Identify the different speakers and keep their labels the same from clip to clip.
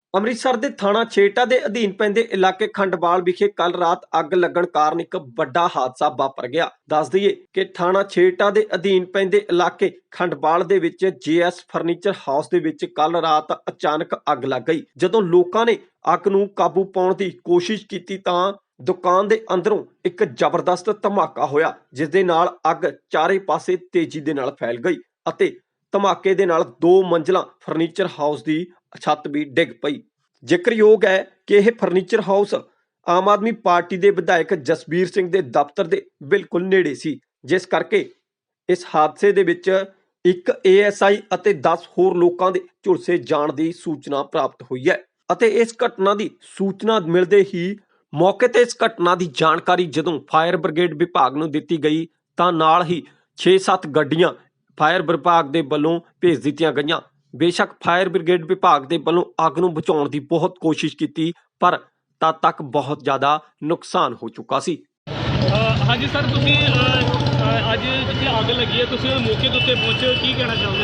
Speaker 1: ਅੰਮ੍ਰਿਤਸਰ ਦੇ ਥਾਣਾ ਛੇਹਰਟਾ ਦੇ ਅਧੀਨ ਪੈਂਦੇ ਇਲਾਕੇ ਖੰਡਵਾਲ ਵਿਖੇ ਕੱਲ ਰਾਤ ਅੱਗ ਲੱਗਣ ਕਾਰਨ ਇੱਕ ਵੱਡਾ ਹਾਦਸਾ ਵਾਪਰ ਗਿਆ। ਦੱਸ ਦਈਏ ਕਿ ਥਾਣਾ ਛੇਹਰਟਾ ਦੇ ਅਧੀਨ ਪੈਂਦੇ ਇਲਾਕੇ ਖੰਡਵਾਲ ਦੇ ਵਿੱਚ ਜੀਐਸ ਫਰਨੀਚਰ ਹਾਊਸ ਦੇ ਵਿੱਚ ਕੱਲ ਰਾਤ ਅਚਾਨਕ ਅੱਗ ਲੱਗ ਗਈ। ਜਦੋਂ ਲੋਕਾਂ ਨੇ ਅੱਗ ਨੂੰ ਕਾਬੂ ਪਾਉਣ ਦੀ ਕੋਸ਼ਿਸ਼ ਕੀਤੀ ਤਾਂ ਦੁਕਾਨ ਦੇ ਅੰਦਰੋਂ ਇੱਕ ਜ਼ਬਰਦਸਤ ਧਮਾਕਾ ਹੋਇਆ, ਜਿਸ ਦੇ ਨਾਲ ਅੱਗ ਚਾਰੇ ਪਾਸੇ ਤੇਜ਼ੀ ਦੇ ਨਾਲ ਫੈਲ ਗਈ ਅਤੇ ਧਮਾਕੇ ਦੇ ਨਾਲ 2 ਮੰਜ਼ਲਾ ਫਰਨੀਚਰ ਹਾਊਸ ਦੀ ਛੱਤ ਵੀ ਡਿੱਗ ਪਈ। ਜ਼ਿਕਰਯੋਗ ਹੈ ਕਿ ਇਹ furniture house Aam Aadmi Party ਦੇ ਵਿਧਾਇਕ ਜਸਬੀਰ ਸਿੰਘ ਦੇ ਦਫ਼ਤਰ ਦੇ ਬਿਲਕੁਲ ਨੇੜੇ ਸੀ, ਜਿਸ ਕਰਕੇ ਇਸ ਹਾਦਸੇ ਦੇ ਵਿੱਚ ਇੱਕ ਏਐਸਆਈ ਅਤੇ 10 ਹੋਰ ਲੋਕਾਂ ਦੇ ਝੁਲਸੇ ਜਾਣ ਦੀ ਸੂਚਨਾ ਪ੍ਰਾਪਤ ਹੋਈ ਹੈ ਅਤੇ ਇਸ ਘਟਨਾ ਦੀ ਸੂਚਨਾ ਮਿਲਦੇ ਹੀ ਮੌਕੇ ਤੇ ਇਸ ਘਟਨਾ ਦੀ ਜਾਣਕਾਰੀ ਜਦੋਂ ਫਾਇਰ ਬ੍ਰਿਗੇਡ ਵਿਭਾਗ ਨੂੰ ਦਿੱਤੀ ਗਈ ਤਾਂ ਨਾਲ ਹੀ 6-7 ਗੱਡੀਆਂ ਫਾਇਰ ਵਿਭਾਗ ਦੇ ਵੱਲੋਂ ਭੇਜ ਦਿੱਤੀਆਂ ਗਈਆਂ। ਬੇਸ਼ੱਕ ਫਾਇਰ ਬ੍ਰਿਗੇਡ ਵਿਭਾਗ ਦੇ ਵੱਲੋਂ ਅੱਗ ਨੂੰ ਬੁਝਾਉਣ ਦੀ ਬਹੁਤ ਕੋਸ਼ਿਸ਼ ਕੀਤੀ, ਪਰ ਤਦ ਤੱਕ ਬਹੁਤ ਜ਼ਿਆਦਾ ਨੁਕਸਾਨ ਹੋ ਚੁੱਕਾ ਸੀ।
Speaker 2: ਹਾਂਜੀ ਸਰ, ਤੁਸੀਂ ਅੱਜ ਜਿੱਥੇ ਅੱਗ ਲੱਗੀ ਹੈ ਤੁਸੀਂ ਮੌਕੇ ਦੇ ਉੱਤੇ ਪਹੁੰਚੇ ਹੋ, ਕੀ ਕਹਿਣਾ ਚਾਹੋਗੇ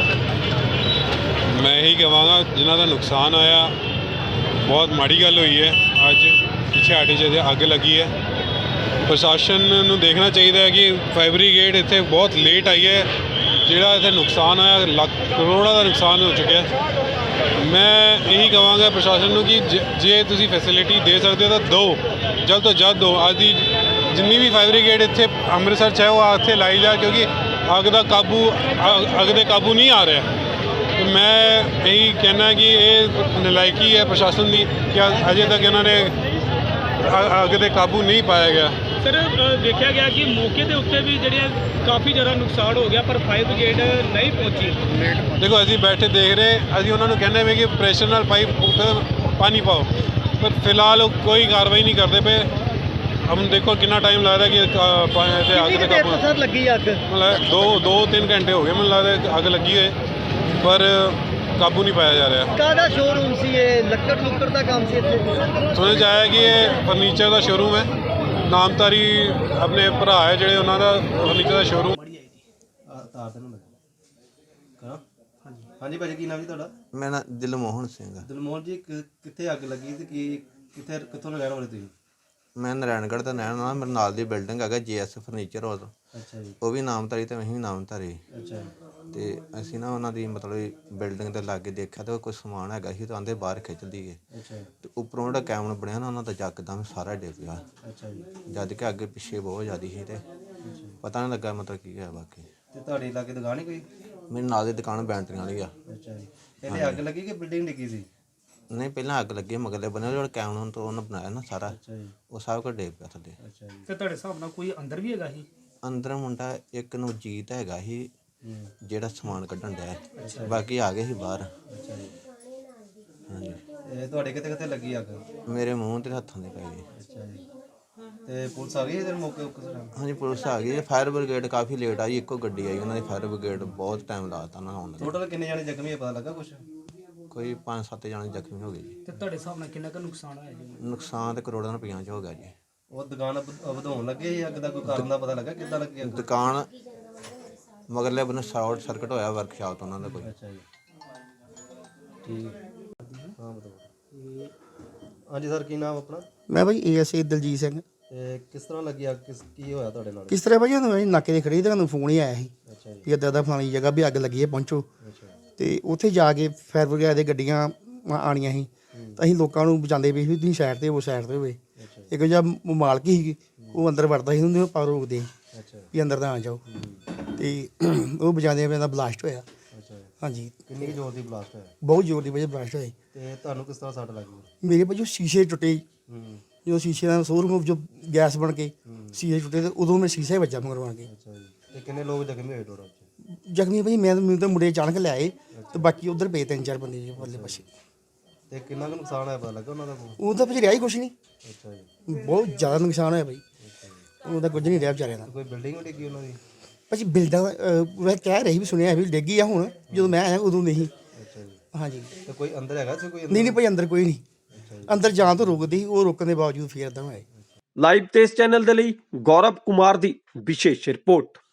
Speaker 2: ਸਰ?
Speaker 3: ਮੈਂ ਇਹੀ ਕਹਾਂਗਾ ਜਿਨ੍ਹਾਂ ਦਾ ਨੁਕਸਾਨ ਆਇਆ ਬਹੁਤ ਮਾੜੀ ਗੱਲ ਹੋਈ ਹੈ। ਅੱਜ ਪਿੱਛੇ ਸਾਡੇ 'ਚ ਅੱਗ ਲੱਗੀ ਹੈ, ਪ੍ਰਸ਼ਾਸਨ ਨੂੰ ਦੇਖਣਾ ਚਾਹੀਦਾ ਹੈ ਕਿ ਫਾਇਰ ਬ੍ਰਿਗੇਡ ਇੱਥੇ ਬਹੁਤ ਲੇਟ ਆਈ ਹੈ। ਜਿਹੜਾ ਇੱਥੇ ਨੁਕਸਾਨ ਆਇਆ ਲੱਖ ਕਰੋੜਾਂ ਦਾ ਨੁਕਸਾਨ ਹੋ ਚੁੱਕਿਆ। ਮੈਂ ਇਹੀ ਕਹਾਂਗਾ ਪ੍ਰਸ਼ਾਸਨ ਨੂੰ ਕਿ ਜੇ ਤੁਸੀਂ ਫੈਸਿਲਿਟੀ ਦੇ ਸਕਦੇ ਹੋ ਤਾਂ ਦਿਓ, ਜਲਦ ਤੋਂ ਜਲਦ ਦਿਓ। ਅੱਜ ਦੀ ਜਿੰਨੀ ਵੀ ਫਾਇਰ ਬ੍ਰਿਗੇਡ ਇੱਥੇ ਅੰਮ੍ਰਿਤਸਰ 'ਚ ਹੈ ਉਹ ਇੱਥੇ ਲਾਈ ਜਾ, ਕਿਉਂਕਿ ਅੱਗ ਦੇ ਕਾਬੂ ਨਹੀਂ ਆ ਰਿਹਾ। ਤੇ ਮੈਂ ਇਹੀ ਕਹਿਣਾ ਕਿ ਇਹ ਨਲਾਇਕੀ ਹੈ ਪ੍ਰਸ਼ਾਸਨ ਦੀ ਕਿ ਅਜੇ ਤੱਕ ਇਹਨਾਂ ਨੇ ਅੱਗ ਦੇ ਕਾਬੂ ਨਹੀਂ ਪਾਇਆ ਗਿਆ।
Speaker 2: ਸਰ, ਦੇਖਿਆ ਗਿਆ ਕਿ ਮੌਕੇ ਦੇ ਉੱਤੇ ਵੀ ਜਿਹੜੀਆਂ ਕਾਫੀ ਜ਼ਿਆਦਾ ਨੁਕਸਾਨ ਹੋ ਗਿਆ, ਪਰ ਫਾਇਰ ਬ੍ਰਿਗੇਡ ਨਹੀਂ ਪਹੁੰਚੀ।
Speaker 3: ਦੇਖੋ ਅਸੀਂ ਬੈਠੇ ਦੇਖ ਰਹੇ, ਅਸੀਂ ਉਹਨਾਂ ਨੂੰ ਕਹਿੰਦੇ ਵੀ ਕਿ ਪ੍ਰੈਸ਼ਰ ਨਾਲ ਪਾਈਪ ਪਾਣੀ ਪਾਓ, ਪਰ ਫਿਲਹਾਲ ਉਹ ਕੋਈ ਕਾਰਵਾਈ ਨਹੀਂ ਕਰਦੇ ਪਏ। ਹੁਣ ਦੇਖੋ ਕਿੰਨਾ ਟਾਈਮ ਲੱਗਦਾ ਕਿ ਅੱਗ ਦੇ ਕਾਬੂ
Speaker 2: ਸਰ ਲੱਗੀ ਅੱਗ?
Speaker 3: ਮਤਲਬ 2-3 ਘੰਟੇ ਹੋ ਗਏ ਮੈਨੂੰ ਲੱਗਦਾ ਅੱਗ ਲੱਗੀ ਹੋਏ, ਪਰ ਕਾਬੂ ਨਹੀਂ ਪਾਇਆ ਜਾ ਰਿਹਾ।
Speaker 2: ਕਾਹਦਾ ਸ਼ੋਰੂਮ ਸੀ ਇਹ? ਲੱਕੜ ਦਾ ਕੰਮ ਸੀ ਇੱਥੇ?
Speaker 3: ਸੁਣਨ 'ਚ ਆਇਆ ਕਿ ਇਹ ਫਰਨੀਚਰ ਦਾ ਸ਼ੋਰੂਮ ਹੈ। ਨਾਮਧਾਰੀ ਆਪਣੇ ਭਰਾ ਹੈ ਜਿਹੜੇ ਉਹਨਾਂ ਦਾ ਫਰਨੀਚਰ ਦਾ ਸ਼ੋਰੂਮ।
Speaker 4: ਹਾਂਜੀ ਭਾਜੀ, ਕੀ ਨਾਮ ਜੀ ਤੁਹਾਡਾ?
Speaker 5: ਮੇਰਾ ਨਾਮ ਦਿਲਮੋਹਨ ਸਿੰਘ ਆ।
Speaker 4: ਦਿਲਮੋਹਨ ਜੀ, ਕਿੱਥੇ ਅੱਗ ਲੱਗੀ ਤੇ ਕਿੱਥੋਂ ਰਹਿਣ ਵਾਲੇ ਤੁਸੀਂ?
Speaker 5: ਮੈਂ ਨਾਰਾਇਣਗੜ੍ਹ ਦਾ ਰਹਿਣ ਵਾਲਾ। ਮੇਰੇ ਨਾਲ ਦੀ ਬਿਲਡਿੰਗ ਹੈਗਾ ਜੀਐਸ ਫਰਨੀਚਰ ਹਾਊਸ।
Speaker 4: ਅੱਛਾ ਜੀ।
Speaker 5: ਉਹ ਵੀ ਨਾਮਧਾਰੀ ਤੇ ਅਸੀਂ ਵੀ ਨਾਮਧਾਰੀ।
Speaker 4: ਅੱਛਾ
Speaker 5: ਤੇ ਅਸੀਂ ਨਾ ਉਹਨਾਂ ਦੀ ਮਤਲਬ ਬਿਲਡਿੰਗ ਦੇ ਲਾਗੇ ਦੇਖਿਆ ਤੇ ਕੋਈ ਸਮਾਨ ਹੈਗਾ ਸੀ ਤਾਂ ਆਂਦੇ ਬਾਹਰ ਖਿੱਚ ਲਈਏ।
Speaker 4: ਅੱਛਾ
Speaker 5: ਤੇ ਉੱਪਰੋਂ ਜਿਹੜਾ ਕੈਮਰਾ ਬਣਿਆ ਨਾ ਉਹਨਾਂ ਦਾ ਯਕਦਮ ਸਾਰਾ ਡਿੱਗ ਪਿਆ।
Speaker 4: ਅੱਛਾ ਜੀ।
Speaker 5: ਜਦ ਕਿ ਅੱਗੇ ਪਿੱਛੇ ਬਹੁਤ ਜ਼ਿਆਦਾ ਸੀ ਤੇ ਪਤਾ ਨਹੀਂ ਲੱਗਾ ਮਤਲਬ ਕੀ ਹੋਇਆ ਬਾਕੀ।
Speaker 4: ਤੇ ਤੁਹਾਡੇ ਲਾਗੇ ਦੁਕਾਨ ਹੀ ਕੋਈ?
Speaker 5: ਮੇਰੇ ਨਾਲ ਦੀ ਦੁਕਾਨ ਬੈਂਟਰੀਆਂ ਵਾਲੀ ਆ।
Speaker 4: ਅੱਛਾ ਜੀ। ਪਹਿਲੇ ਅੱਗ ਲੱਗੀ ਕਿ ਬਿਲਡਿੰਗ ਡਿੱਗੀ ਸੀ?
Speaker 5: ਨਹੀਂ, ਪਹਿਲਾਂ ਅੱਗ ਲੱਗੀ ਮਗਰਲੇ ਬਣੇ ਜਿਹੜਾ ਕੈਮਰਾ ਤੋਂ ਉਹਨੇ ਬਣਾਇਆ ਨਾ ਸਾਰਾ,
Speaker 4: ਅੱਛਾ ਜੀ।
Speaker 5: ਉਹ ਸਭ ਕੁਝ ਡਿੱਗ ਪਿਆ ਥੱਲੇ।
Speaker 4: ਅੱਛਾ ਜੀ।
Speaker 2: ਤੇ ਤੁਹਾਡੇ ਹਿਸਾਬ ਨਾਲ ਕੋਈ ਅੰਦਰ ਵੀ ਹੈਗਾ ਸੀ?
Speaker 5: ਅੰਦਰ ਮੁੰਡਾ ਇੱਕ ਨਵਜੀਤ ਹੈਗਾ ਸੀ ਜਿਹੜਾ ਸਮਾਨ ਕੱਢਣ ਡਿਆ, ਬਾਕੀ ਆ ਗਏ ਸੀ ਬਾਹਰ।
Speaker 4: ਅੱਛਾ ਜੀ।
Speaker 5: ਹਾਂਜੀ।
Speaker 4: ਇਹ ਤੁਹਾਡੇ ਕਿੱਥੇ ਲੱਗੀ ਅੱਗ?
Speaker 5: ਮੇਰੇ ਮੂੰਹ ਤੇ ਹੱਥਾਂ ਦੇ ਪੈ ਗਏ।
Speaker 4: ਅੱਛਾ ਜੀ। ਤੇ ਪੁਲਿਸ ਆ ਗਈ ਇਹਦੇ ਮੌਕੇ ਉੱਤੇ?
Speaker 5: ਹਾਂਜੀ, ਪੁਲਿਸ ਆ ਗਈ। ਫਾਇਰ ਬ੍ਰਿਗੇਡ ਕਾਫੀ ਲੇਟ ਆਈ, ਇੱਕੋ ਗੱਡੀ ਆਈ ਉਹਨਾਂ ਦੀ। ਫਾਇਰ ਬ੍ਰਿਗੇਡ ਬਹੁਤ ਟਾਈਮ ਲਾਤਾ ਉਹਨਾਂ ਆਉਣ ਦਾ।
Speaker 4: ਟੋਟਲ ਕਿੰਨੇ ਜਾਣੇ ਜ਼ਖਮੀ ਹੈ, ਪਤਾ ਲੱਗਾ ਕੁਛ?
Speaker 5: ਕੋਈ 5-7 ਜਣੇ ਜ਼ਖਮੀ ਹੋ ਗਏ ਜੀ।
Speaker 2: ਤੇ ਤੁਹਾਡੇ ਹਿਸਾਬ ਨਾਲ ਕਿੰਨਾ ਕੁ ਨੁਕਸਾਨ ਹੋਇਆ ਜੀ?
Speaker 5: ਨੁਕਸਾਨ ਤੇ ਕਰੋੜਾਂ ਰੁਪਈਆਂ 'ਚ ਹੋ ਗਿਆ ਜੀ।
Speaker 4: ਉਹ ਦੁਕਾਨ ਵਧਾਉਣ ਲੱਗੇ ਸੀ ਅੱਗ ਦਾ? ਕੋਈ ਕਾਰਨ ਦਾ ਪਤਾ ਲੱਗਾ ਕਿੱਦਾਂ ਲੱਗੀ ਅੱਗ?
Speaker 5: ਦੁਕਾਨ ਮਗਰਲੇ ਬੰਨੇ ਸ਼ਾਰਟ ਸਰਕਟ ਹੋਇਆ ਵਰਕਸ਼ਾਪ ਤੋਂ ਉਹਨਾਂ ਦਾ ਕੋਈ।
Speaker 4: ਅੱਛਾ ਜੀ। ਠੀਕ। ਹਾਂ ਬਤਾਓ। ਹਾਂਜੀ ਸਰ, ਕੀ ਨਾਮ ਆਪਣਾ?
Speaker 6: ਮੈਂ ਭਾਈ ਏਐਸਏ ਦਲਜੀਤ ਸਿੰਘ।
Speaker 4: ਤੇ ਕਿਸ ਤਰ੍ਹਾਂ ਲੱਗੀ ਅੱਗ? ਕੀ ਹੋਇਆ ਤੁਹਾਡੇ ਨਾਲ?
Speaker 6: ਕਿਸ ਤਰ੍ਹਾਂ ਭਾਈ ਉਹਨੂੰ ਨਾਕੇ ਦੇ ਖੜੀ ਤੇ ਤੁਹਾਨੂੰ ਫੋਨ ਹੀ ਆਇਆ ਸੀ
Speaker 4: ਅੱਛਾ ਜੀ।
Speaker 6: ਵੀ ਇੱਦਾਂ ਦਾ ਫਲਾਣੀ ਜਗ੍ਹਾ ਵੀ ਅੱਗ ਲੱਗੀ ਹੈ, ਪਹੁੰਚੋ।
Speaker 4: ਅੱਛਾ।
Speaker 6: ਤੇ ਉੱਥੇ ਜਾ ਕੇ ਫਾਇਰ ਬ੍ਰਿਗੇਡ ਦੇ ਗੱਡੀਆਂ ਆਣੀਆਂ ਸੀ ਤਾਂ ਅਸੀਂ ਲੋਕਾਂ ਨੂੰ ਬਚਾਉਂਦੇ ਪਏ ਵੀ ਤੁਸੀਂ ਸਾਈਡ ਤੇ ਹੋਵੇ। ਇੱਕ ਜਿਹਾ ਮਾਲਕ ਸੀ, ਉਹ ਅੰਦਰ ਵੜਦਾ ਸੀ, ਉਹਨੂੰ ਆਪਾਂ ਰੋਕਦੇ
Speaker 4: ਅੱਛਾ
Speaker 6: ਵੀ ਅੰਦਰ ਤਾਂ ਆ ਜਾਓ। ਤੇ ਉਹ ਬਚਾਉਂਦੇ ਪਏ ਦਾ ਬਲਾਸਟ ਹੋਇਆ।
Speaker 4: ਅੱਛਾ।
Speaker 6: ਹਾਂਜੀ।
Speaker 4: ਕਿੰਨੀ ਜ਼ੋਰ ਦੀ ਬਲਾਸਟ ਹੋਇਆ?
Speaker 6: ਬਹੁਤ ਜ਼ੋਰ ਦੀ ਵਜ੍ਹਾ ਬਲਾਸਟ ਹੋਇਆ।
Speaker 4: ਤੇ ਤੁਹਾਨੂੰ ਕਿਸ ਤਰ੍ਹਾਂ ਸੱਟ ਲੱਗੀ?
Speaker 6: ਮੇਰੇ ਭਾਈ ਜੋ ਸ਼ੀਸ਼ੇ ਟੁੱਟੇ,
Speaker 4: ਹੂੰ।
Speaker 6: ਜਦੋਂ ਸ਼ੀਸ਼ੇ ਦਾ ਸ਼ੋਰੂਮ ਜੋ ਗੈਸ ਬਣ ਕੇ ਸ਼ੀਸ਼ੇ ਟੁੱਟੇ ਤੇ ਉਦੋਂ ਮੈਂ ਸ਼ੀਸ਼ੇ ਵੱਜਾ ਮਗਰਵਾ ਕੇ।
Speaker 4: ਅੱਛਾ ਜੀ। ਤੇ ਕਿੰਨੇ ਲੋਕ ਜ਼ਖਮੀ ਹੋਏ ਟੋਟਲ?
Speaker 6: ਜ਼ਖਮੀ ਭਾਈ ਮੈਨੂੰ ਤਾਂ ਮੁੰਡੇ ਅਚਾਨਕ ਲੈ ਆਏ ਤੇ ਬਾਕੀ ਉਧਰ ਪਏ 3-4 ਬੰਦੇ ਜੀ ਪਰਲੇ ਪਾਸੇ।
Speaker 4: ਤੇ ਕਿੰਨਾ ਕੁ ਨੁਕਸਾਨ ਹੋਇਆ, ਪਤਾ ਲੱਗਾ ਉਹਨਾਂ ਦਾ?
Speaker 6: ਉਹ ਤਾਂ ਭਾਜੀ ਰਿਹਾ ਹੀ ਕੁਛ ਨਹੀਂ,
Speaker 4: ਅੱਛਾ ਜੀ।
Speaker 6: ਬਹੁਤ ਜ਼ਿਆਦਾ ਨੁਕਸਾਨ ਹੋਇਆ ਭਾਈ। ਉਹਦਾ ਕੁਝ ਨਹੀਂ ਰਿਹਾ ਵਿਚਾਰਿਆਂ ਦਾ।
Speaker 4: ਕੋਈ ਬਿਲਡਿੰਗ ਵੀ ਡਿੱਗੀ ਉਹਨਾਂ ਦੀ?
Speaker 6: ਭਾਜੀ ਬਿਲਡਾਂ ਮੈਂ ਕਹਿ ਰਹੀ ਵੀ ਸੁਣਿਆ ਵੀ ਡਿੱਗੀ ਆ, ਹੁਣ ਜਦੋਂ ਮੈਂ ਆਇਆ ਉਦੋਂ ਨਹੀਂ।
Speaker 4: ਅੱਛਾ ਜੀ।
Speaker 6: ਹਾਂਜੀ।
Speaker 4: ਤੇ ਕੋਈ ਅੰਦਰ ਹੈਗਾ ਸੀ? ਕੋਈ
Speaker 6: ਨਹੀਂ ਭਾਈ ਅੰਦਰ ਕੋਈ ਨਹੀਂ, ਅੰਦਰ ਜਾਣ ਤੋਂ ਰੋਕਦੀ ਸੀ, ਉਹ ਰੋਕਣ ਦੇ ਬਾਵਜੂਦ ਫੇਰ ਇੱਦਾਂ ਹੋਇਆ।
Speaker 1: ਲਾਈਵ ਤੇ ਇਸ ਚੈਨਲ ਦੇ ਲਈ ਗੌਰਵ ਕੁਮਾਰ ਦੀ ਵਿਸ਼ੇਸ਼ ਰਿਪੋਰਟ।